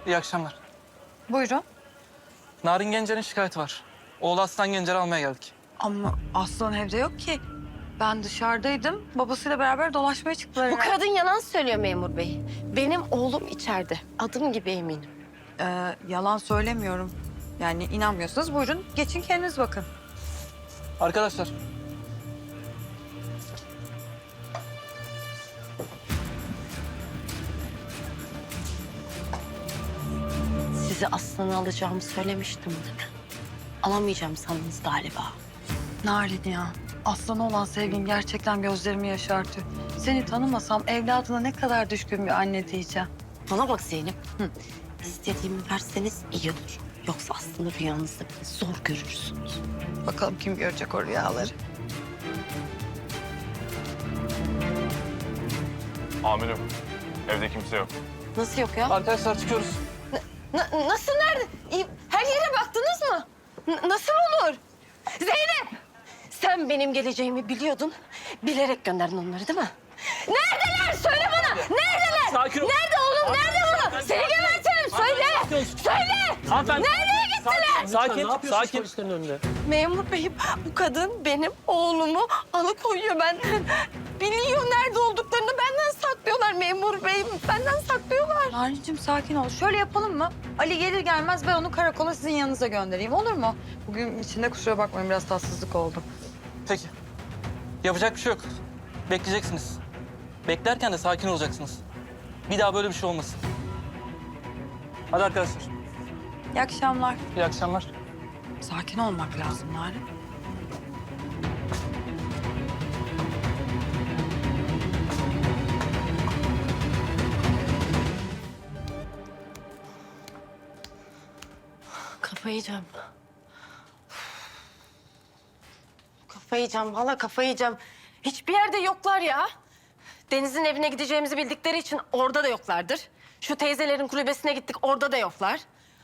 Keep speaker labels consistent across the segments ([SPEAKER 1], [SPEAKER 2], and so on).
[SPEAKER 1] İyi akşamlar.
[SPEAKER 2] Buyurun.
[SPEAKER 1] Narin Gencer'in şikayeti var. Oğlu Aslan Gencer'i almaya geldik.
[SPEAKER 2] Ama Aslan evde yok ki. Ben dışarıdaydım. Babasıyla beraber dolaşmaya çıktılar.
[SPEAKER 3] Bu kadın yalan söylüyor memur bey. Benim oğlum içeride. Adım gibi eminim.
[SPEAKER 2] Yalan söylemiyorum. Yani inanmıyorsanız buyurun geçin kendiniz bakın.
[SPEAKER 1] Arkadaşlar.
[SPEAKER 3] Sizi aslanı alacağımı söylemiştim değil mi? Alamayacağım sandınız galiba.
[SPEAKER 2] Narin ya. Aslan'a olan sevgin gerçekten gözlerimi yaşartıyor. Seni tanımasam evladına ne kadar düşkün bir anne diyeceğim.
[SPEAKER 3] Bana bak Zeynep. İstediğimi verseniz iyi olur. Yoksa aslanı rüyanızda bile zor görürsünüz.
[SPEAKER 2] Bakalım kim görecek o rüyaları.
[SPEAKER 4] Amirim, evde kimse yok.
[SPEAKER 3] Nasıl yok ya?
[SPEAKER 1] Arkadaşlar çıkıyoruz.
[SPEAKER 3] Nasıl nerede? Her yere baktınız mı? Nasıl olur? Zeynep! Sen benim geleceğimi biliyordun. Bilerek gönderdin onları değil mi? Neredeler? Söyle bana! Neredeler?
[SPEAKER 1] Sakin ol.
[SPEAKER 3] Nerede oğlum? Nerede oğlum? Seni gebertirim. Söyle! Söyle!
[SPEAKER 1] Hanımefendi.
[SPEAKER 3] Nereye gittiler?
[SPEAKER 1] Sakin.
[SPEAKER 3] Memur beyim, bu kadın benim oğlumu alıkoyuyor benden. Biliyor nerede olduklarını, benden saklıyorlar memur beyim. Benden saklıyorlar.
[SPEAKER 2] Narinciğim sakin ol. Şöyle yapalım mı? Ali gelir gelmez ben onu karakola sizin yanınıza göndereyim olur mu? Bugün içinde kusura bakmayın biraz tatsızlık oldu.
[SPEAKER 1] Peki. Yapacak bir şey yok. Bekleyeceksiniz. Beklerken de sakin olacaksınız. Bir daha böyle bir şey olmasın. Hadi arkadaşlar.
[SPEAKER 2] İyi akşamlar.
[SPEAKER 1] İyi akşamlar.
[SPEAKER 2] Sakin olmak lazım Narin.
[SPEAKER 3] Kafayı yiyeceğim. Kafayı yiyeceğim, valla kafayı yiyeceğim. Hiçbir yerde yoklar ya. Deniz'in evine gideceğimizi bildikleri için orada da yoklardır. Şu teyzelerin kulübesine gittik, orada da yoklar.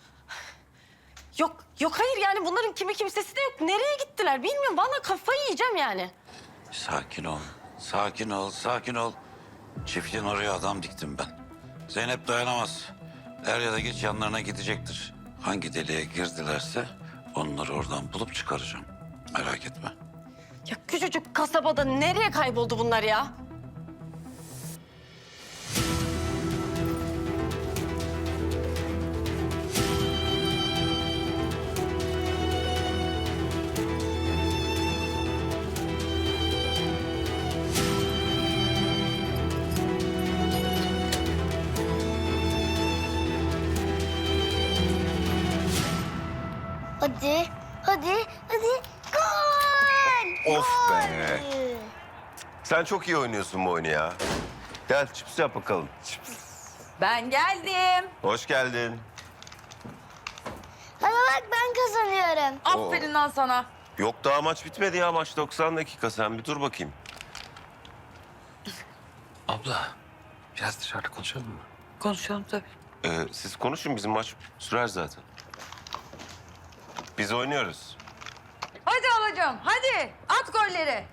[SPEAKER 3] Yok hayır yani bunların kimi kimsesi de yok. Nereye gittiler bilmiyorum. Vallahi kafayı yiyeceğim yani.
[SPEAKER 5] Sakin ol, sakin ol, sakin ol. Çiftliğin oraya adam diktim ben. Zeynep dayanamaz. Er ya da geç yanlarına gidecektir. Hangi deliğe girdilerse onları oradan bulup çıkaracağım. Merak etme.
[SPEAKER 3] Ya küçücük kasabada nereye kayboldu bunlar ya?
[SPEAKER 6] Hadi, hadi. Gol!
[SPEAKER 7] Of
[SPEAKER 6] Gol!
[SPEAKER 7] be. Sen çok iyi oynuyorsun bu oyunu ya. Gel çips yap bakalım. Çips.
[SPEAKER 2] Ben geldim.
[SPEAKER 7] Hoş geldin.
[SPEAKER 6] Hadi bak ben kazanıyorum.
[SPEAKER 2] Aferin lan sana.
[SPEAKER 7] Yok daha maç bitmedi ya. Maç 90 dakika. Sen bir dur bakayım.
[SPEAKER 8] Abla, biraz dışarıda konuşalım mı?
[SPEAKER 2] Konuşalım tabii.
[SPEAKER 7] Siz konuşun. Bizim maç sürer zaten. Biz oynuyoruz.
[SPEAKER 2] Hadi alacağım hadi at golleri.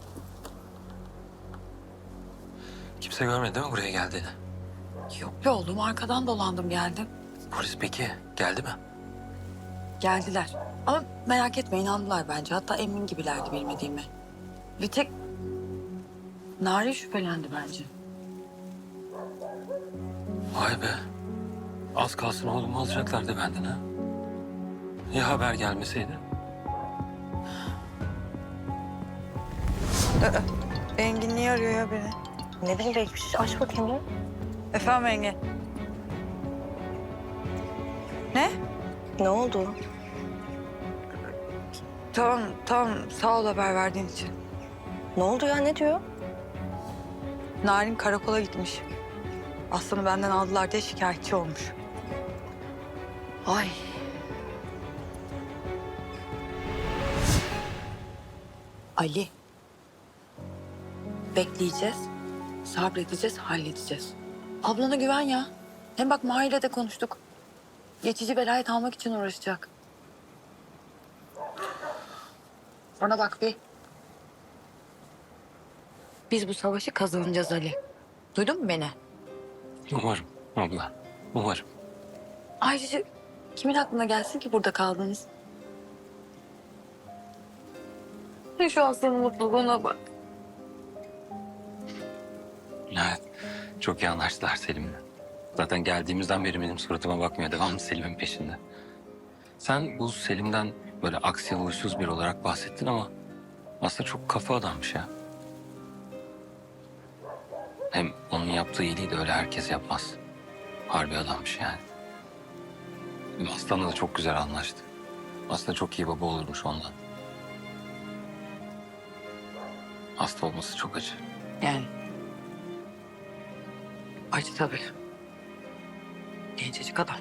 [SPEAKER 8] Kimse görmedi değil mi buraya geldiğini?
[SPEAKER 2] Yok be oğlum arkadan dolandım geldim.
[SPEAKER 8] Polis peki geldi mi?
[SPEAKER 2] Geldiler. Ama merak etme inandılar bence. Hatta emin gibilerdi bilmediğimi. Bir tek Narin şüphelendi bence.
[SPEAKER 8] Vay be. Az kalsın oğlumu alacaklardı benden ha. Ya haber gelmeseydi?
[SPEAKER 2] Engin niye arıyor ya beni?
[SPEAKER 3] Ne bileyim belki bir şey aç bakayım ya.
[SPEAKER 2] Efendim Engin. Ne?
[SPEAKER 3] Ne oldu?
[SPEAKER 2] Tamam sağ ol haber verdiğin için.
[SPEAKER 3] Ne oldu ya ne diyor?
[SPEAKER 2] Narin karakola gitmiş. Aslanı benden aldılar diye şikayetçi olmuş.
[SPEAKER 3] Ay.
[SPEAKER 2] Ali. Bekleyeceğiz, sabredeceğiz, halledeceğiz. Ablana güven ya. Hem bak Mahir'le de konuştuk. Geçici velayet almak için uğraşacak. Ona bak bir. Biz bu savaşı kazanacağız Ali. Duydun mu beni?
[SPEAKER 8] Umarım abla, umarım.
[SPEAKER 2] Ayrıca kimin aklına gelsin ki burada kaldınız? Şu Aslan'ın mutluluğuna bak.
[SPEAKER 8] Evet. Çok iyi anlaştılar Selim'le. Zaten geldiğimizden beri benim suratıma bakmıyor. Devamlı Selim'in peşinde. Sen bu Selim'den böyle aksi huysuz biri olarak bahsettin ama aslında çok kafa adammış ya. Hem onun yaptığı iyiliği de öyle herkes yapmaz. Harbi adammış yani. Aslan'la da çok güzel anlaştı. Aslında çok iyi baba olurmuş ondan. Hasta olması çok acı.
[SPEAKER 2] Yani. Acı tabii. Gencecik adam.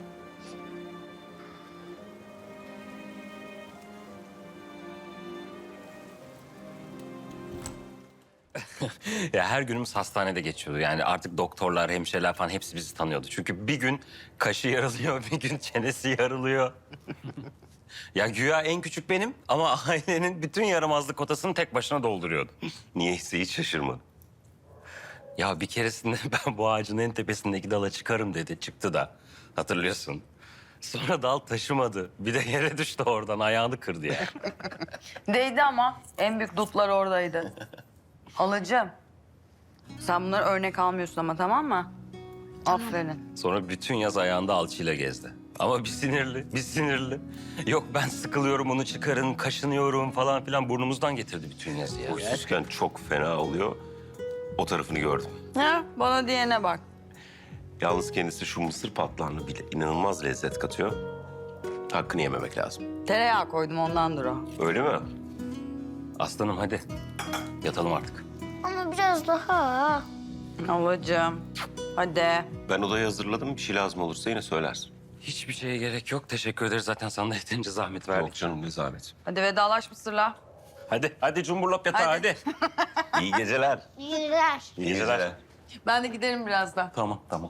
[SPEAKER 8] Ya her günümüz hastanede geçiyordu. Yani artık doktorlar, hemşireler falan hepsi bizi tanıyordu. Çünkü bir gün kaşı yarılıyor, bir gün çenesi yarılıyor. Ya güya en küçük benim ama ailenin bütün yaramazlık kotasını tek başına dolduruyordu.
[SPEAKER 7] Niyeyse hiç şaşırmadım.
[SPEAKER 8] Ya bir keresinde ben bu ağacın en tepesindeki dala çıkarım dedi. Çıktı da hatırlıyorsun. Sonra dal taşımadı. Bir de yere düştü oradan ayağını kırdı ya.
[SPEAKER 9] Değdi ama en büyük dutlar oradaydı. Halacığım. Sen bunları örnek almıyorsun ama tamam mı? Aferin.
[SPEAKER 8] Sonra bütün yaz ayağında alçıyla gezdi. Ama bir sinirli, bir sinirli. Yok ben sıkılıyorum onu çıkarın, kaşınıyorum falan filan burnumuzdan getirdi bütün yazı ya.
[SPEAKER 7] Huysuzken çok fena oluyor. O tarafını gördüm.
[SPEAKER 9] Ha, bana diyene bak.
[SPEAKER 7] Yalnız kendisi şu mısır patlağını bile inanılmaz lezzet katıyor. Hakkını yememek lazım.
[SPEAKER 9] Tereyağı koydum ondandır o.
[SPEAKER 7] Öyle mi?
[SPEAKER 8] Aslanım hadi yatalım artık.
[SPEAKER 6] Ama biraz daha.
[SPEAKER 9] Halacığım. Hadi.
[SPEAKER 7] Ben odayı hazırladım. Bir şey lazım olursa yine söylersin.
[SPEAKER 8] Hiçbir şeye gerek yok. Teşekkür ederiz. Zaten sana da yeterince zahmet verdik.
[SPEAKER 7] Yok canım ne zahmet.
[SPEAKER 9] Hadi vedalaş Mısır'la.
[SPEAKER 8] Hadi cumburlop yatağa hadi.
[SPEAKER 7] İyi geceler.
[SPEAKER 6] İyi geceler.
[SPEAKER 7] İyi geceler.
[SPEAKER 9] Ben de giderim birazdan.
[SPEAKER 8] Tamam.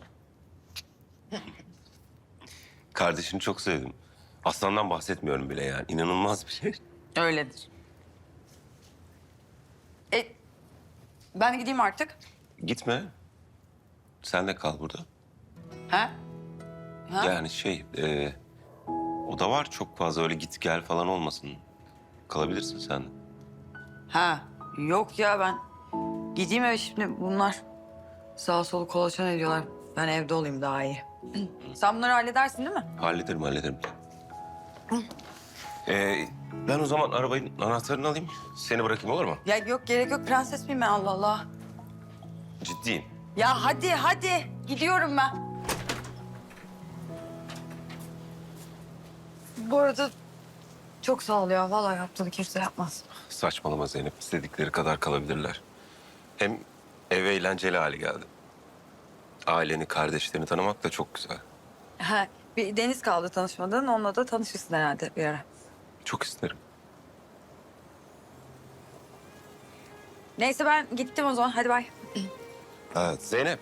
[SPEAKER 7] Kardeşini çok sevdim. Aslandan bahsetmiyorum bile yani. İnanılmaz bir şey.
[SPEAKER 9] Öyledir. Ben gideyim artık.
[SPEAKER 7] Gitme. Sen de kal burada.
[SPEAKER 9] Ha? Ha?
[SPEAKER 7] Yani oda var çok fazla. Öyle git gel falan olmasın. Kalabilirsin sen de.
[SPEAKER 9] Ha. Yok ya ben gideyim eve şimdi bunlar sağa solu kolaçan ediyorlar. Ben evde olayım daha iyi. Sen bunları halledersin değil mi?
[SPEAKER 7] Hallederim. Ben o zaman arabanın anahtarını alayım. Seni bırakayım olur mu?
[SPEAKER 9] Ya yok gerek yok prenses miyim ben Allah Allah.
[SPEAKER 7] Ciddiyim.
[SPEAKER 9] Ya hadi gidiyorum ben. Bu arada çok sağ ol ya. Vallahi yaptığını kimse yapmaz.
[SPEAKER 7] Saçmalama Zeynep. İstedikleri kadar kalabilirler. Hem ev eğlenceli hale geldi. Aileni, kardeşlerini tanımak da çok güzel.
[SPEAKER 9] Ha, bir Deniz kaldı tanışmadığın. Onunla da tanışırsın herhalde bir ara.
[SPEAKER 7] Çok isterim.
[SPEAKER 9] Neyse ben gittim o zaman. Hadi bay.
[SPEAKER 7] Evet. Zeynep.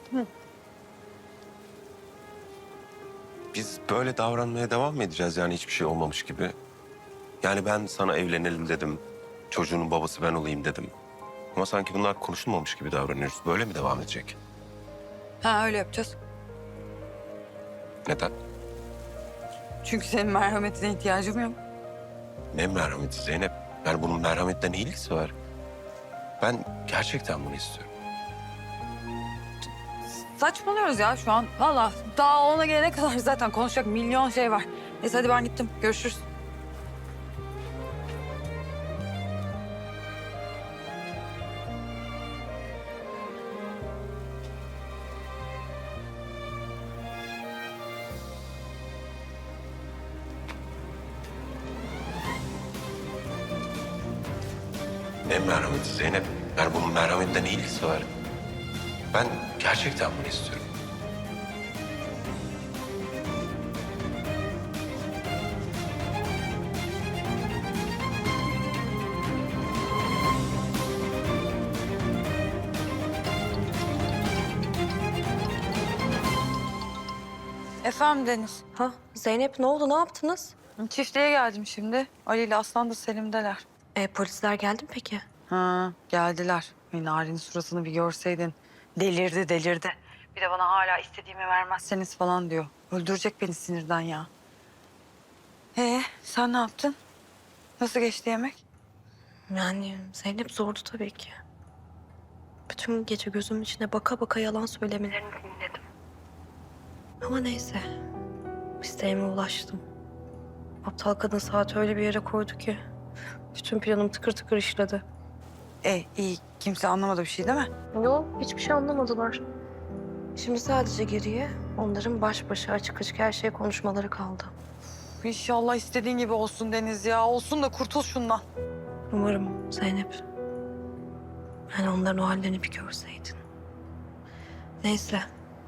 [SPEAKER 7] Biz böyle davranmaya devam mı edeceğiz yani hiçbir şey olmamış gibi? Yani ben sana evlenelim dedim. Çocuğunun babası ben olayım dedim. Ama sanki bunlar konuşulmamış gibi davranıyoruz. Böyle mi devam edecek?
[SPEAKER 9] Ha öyle yapacağız.
[SPEAKER 7] Neden?
[SPEAKER 9] Çünkü senin merhametine ihtiyacım yok.
[SPEAKER 7] Ne merhameti Zeynep? Yani bunun merhametle ne ilgisi var? Ben gerçekten bunu istiyorum.
[SPEAKER 9] Saçmalıyoruz ya şu an. Vallahi daha ona gelene kadar zaten konuşacak milyon şey var. Neyse hadi ben gittim. Görüşürüz.
[SPEAKER 7] Ne merhameti Zeynep? Yani bunun merhametle ne ilgisi var? Ben gerçekten bunu istiyorum.
[SPEAKER 9] Efendim Deniz.
[SPEAKER 3] Ha Zeynep ne oldu ne yaptınız?
[SPEAKER 9] Çiftliğe geldim şimdi. Ali ile Aslan da Selim'deler.
[SPEAKER 3] Polisler geldi mi peki?
[SPEAKER 9] Ha, geldiler. Narin'in suratını bir görseydin. Delirdi. Bir de bana hala istediğimi vermezseniz falan diyor. Öldürecek beni sinirden ya. Sen ne yaptın? Nasıl geçti yemek?
[SPEAKER 3] Yani Zeynep zordu tabii ki. Bütün gece gözümün içine baka baka yalan söylemelerini dinledim. Ama neyse. İsteğime ulaştım. Aptal kadın saati öyle bir yere koydu ki... bütün planım tıkır tıkır işledi.
[SPEAKER 9] İyi. Kimse anlamadı bir şey değil mi?
[SPEAKER 3] Yok, hiçbir şey anlamadılar. Şimdi sadece geriye onların baş başa açık açık her şeyi konuşmaları kaldı.
[SPEAKER 9] İnşallah istediğin gibi olsun Deniz ya. Olsun da kurtul şundan.
[SPEAKER 3] Umarım Zeynep. Yani onların o hallerini bir görseydin. Neyse.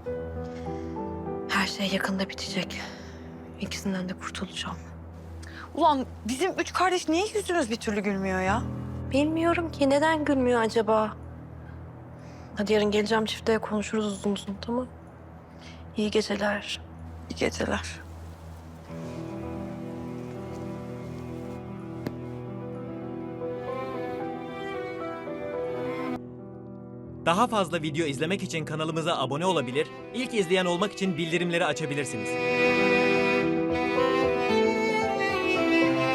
[SPEAKER 3] Her şey yakında bitecek. İkisinden de kurtulacağım.
[SPEAKER 9] Ulan bizim 3 kardeş niye yüzümüz bir türlü gülmüyor ya?
[SPEAKER 3] Bilmiyorum ki neden gülmüyor acaba? Hadi yarın geleceğim çiftliğe konuşuruz uzun uzun, tamam? İyi geceler.
[SPEAKER 9] İyi geceler.
[SPEAKER 10] Daha fazla video izlemek için kanalımıza abone olabilir, ilk izleyen olmak için bildirimleri açabilirsiniz.